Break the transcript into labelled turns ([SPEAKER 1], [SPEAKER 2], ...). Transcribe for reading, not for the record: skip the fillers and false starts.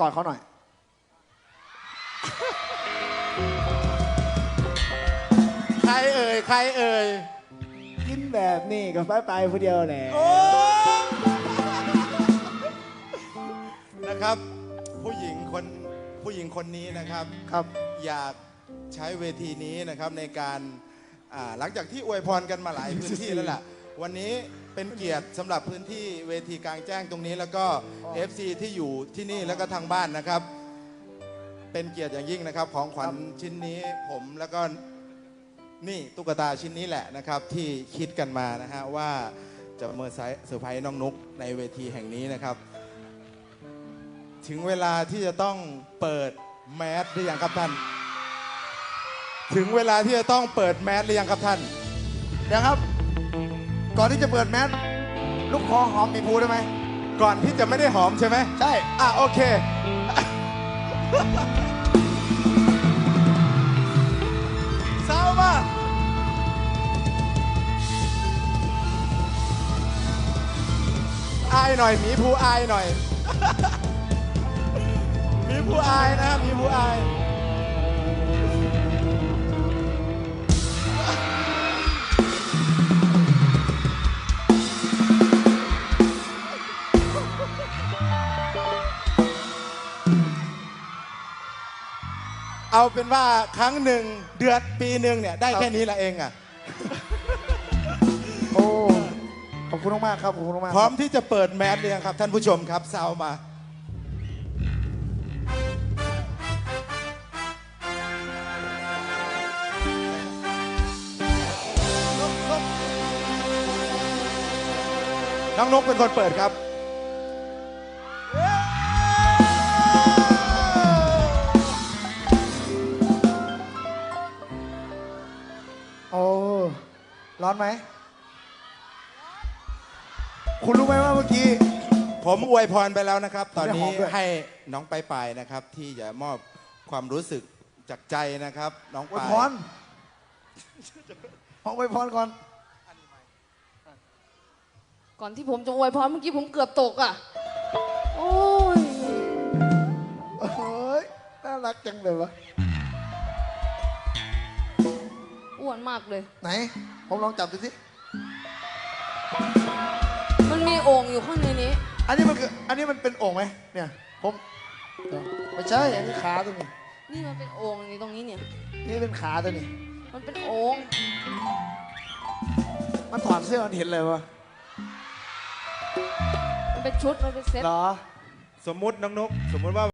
[SPEAKER 1] กอดเขาหน่อย
[SPEAKER 2] ใครเอ่ยใครเอ่ย
[SPEAKER 1] กินแบบนี้กับไปผู้เดียวแหละ
[SPEAKER 2] นะครับผู้หญิงคนนี้นะครับ
[SPEAKER 1] ครับ
[SPEAKER 2] อยากใช้เวทีนี้นะครับในการหลังจากที่อวยพรกันมาหลายพื้นที่แล้วล่ะวันนี้เป็นเกียรติสำหรับพื้นที่เวทีกลางแจ้งตรงนี้แล้วก็ FC ที่อยู่ที่นี่แล้วก็ทางบ้านนะครับเป็นเกียรติอย่างยิ่งนะครับของขวัญชิ้นนี้ผมแล้วก็นี่ตุ๊กตาชิ้นนี้แหละนะครับที่คิดกันมานะฮะว่าจะเซอร์ไพรส์น้องนุ๊กในเวทีแห่งนี้นะครับถึงเวลาที่จะต้องเปิดแมสหรือยังครับท่านถึงเวลาที่จะต้องเปิดแมสหรือยังครับท่าน
[SPEAKER 1] เดี๋ยวครับก่อนที่จะเปิดแมสลูกคอหอมมีภูได้ไหม
[SPEAKER 2] ก่อนที่จะไม่ได้หอมใช่ไหม
[SPEAKER 1] ใช่
[SPEAKER 2] โอเคเศร้ามาอายหน่อยหมีภูอายหน่อยมีผู้อายนะครับมีผู้อายเอาเป็นว่าครั้งหนึ่งเดือนปีหนึ่งเนี่ยได้แค่นี้ละเอง
[SPEAKER 1] โอ้ขอบคุณมากครับขอบคุณมาก
[SPEAKER 2] พร้อมที่จะเปิดแมสเลยครับท่านผู้ชมครับซาวมาน้องนกเป็นคนเปิดครับ
[SPEAKER 1] โอ้ร้อนไหมคุณรู้ไหมว่าเมื่อกี้
[SPEAKER 2] ผมอวยพรไปแล้วนะครับตอนนี้
[SPEAKER 1] ให้
[SPEAKER 2] ให้น้องไปนะครับที่จะมอบความรู้สึกจากใจนะครับน้อง
[SPEAKER 1] อวย
[SPEAKER 2] ปาย
[SPEAKER 1] พรอวยพรก่อน
[SPEAKER 3] ก่อนที่ผมจะอวยพรเมื่อกี้ผมเกือบตกโอ้ย
[SPEAKER 1] เฮ้ยน่ารักจังเลยวะ
[SPEAKER 3] อ้วนมากเลย
[SPEAKER 1] ไหนผมลองจับดูสิ
[SPEAKER 3] มันมีโอ่งอยู่ข้างในนี้
[SPEAKER 1] อันนี้มันเป็นโอ่งไหมเนี่ยผมไม่ใช่อันนี้ขาตัวนี้
[SPEAKER 3] นี่มันเป็นโอ่งนี่ตรงนี้เนี่ย
[SPEAKER 1] นี่เป็นขาตัวนี้
[SPEAKER 3] มันเป็นโอ่ง
[SPEAKER 1] มันถอดเสื้อมันเห็นเลยวะ
[SPEAKER 3] มันเป็นชุดมันเป็นเซ็ต
[SPEAKER 1] เหรอ
[SPEAKER 2] สมมุติน้องนกสมมุติว่า